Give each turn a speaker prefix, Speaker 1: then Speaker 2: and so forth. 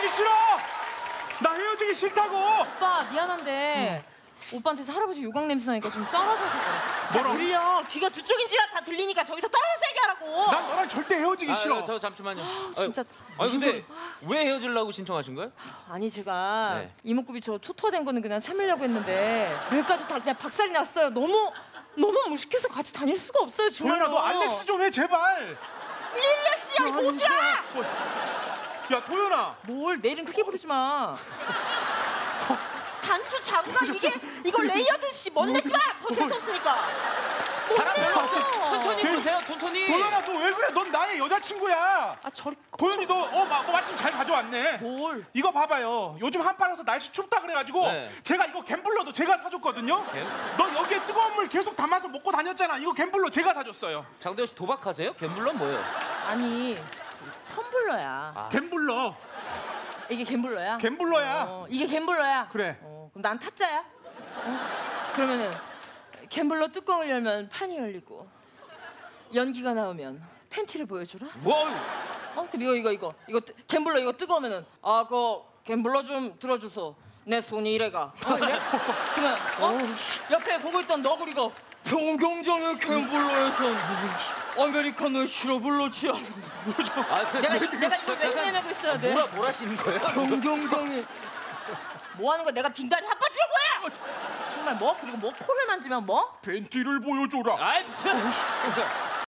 Speaker 1: 헤어지기 싫어. 나 헤어지기 싫다고.
Speaker 2: 오빠 미안한데 오빠한테서 할아버지 요강 냄새 나니까 좀 떨어져서 그래. 다 들려. 귀가 두 쪽인지라 다 들리니까 저기서 떨어져서 얘기하라고.
Speaker 1: 난 너랑 절대 헤어지기 싫어.
Speaker 3: 저 잠시만요.
Speaker 2: 진짜.
Speaker 3: 아니 근데 왜 헤어지려고 신청하신 거예요?
Speaker 2: 아니 제가
Speaker 3: 네.
Speaker 2: 이목구비 저 초토화된 거는 그냥 참으려고 했는데 뇌까지 다 그냥 박살이 났어요. 너무 무식해서 같이 다닐 수가 없어요. 정말.
Speaker 1: 도연아 너 알렉스 좀 해 제발.
Speaker 2: 릴렉스야 이 모지야.
Speaker 1: 야 도연아.
Speaker 2: 뭘 내 이름 크게 부르지 마. 단수 장갑 이거 레이어드 씨 멋내지 마. 더 재수 없으니까.
Speaker 3: 사람 별로 없어. 천천히 부르세요. 천천히.
Speaker 1: 도연아 너 왜 그래? 넌 나의 여자친구야.
Speaker 2: 아 저리.
Speaker 1: 도연이 너 마침 잘 가져왔네.
Speaker 2: 뭘?
Speaker 1: 이거 봐봐요. 요즘 한파라서 날씨 춥다 그래가지고
Speaker 3: 네.
Speaker 1: 제가 이거 갬블러도 제가 사줬거든요. 너 여기에 뜨거운 물 계속 담아서 먹고 다녔잖아. 이거 갬블러 제가 사줬어요.
Speaker 3: 장도연 씨 도박하세요? 갬블러 뭐예요?
Speaker 2: 아니 텀블러야.
Speaker 1: 갬블러.
Speaker 2: 이게 갬블러야?
Speaker 1: 갬블러야.
Speaker 2: 이게 갬블러야?
Speaker 1: 그래.
Speaker 2: 그럼 난 타짜야? 그러면은 갬블러 뚜껑을 열면 판이 열리고 연기가 나오면 팬티를 보여주라?
Speaker 3: 뭐?
Speaker 2: 근데 이거 갬블러 이거 뜨거우면은 그 갬블러 좀 들어주소. 내 손이 이래가. 이래? 그러면 옆에 보고 있던 너구리가 평경장의 갬블러에선 아메리카노의 시럽을 넣지 않아. 내가 이거 왜 해내고 있어야 돼?
Speaker 3: 뭘 하시는 거예요?
Speaker 2: 경경장에 뭐 하는 거야? 내가 빙다리 핫바지가 뭐야? 정말 뭐? 그리고 뭐 코를 만지면 뭐?
Speaker 1: 팬티를 보여줘라.
Speaker 3: 아이 미쳐.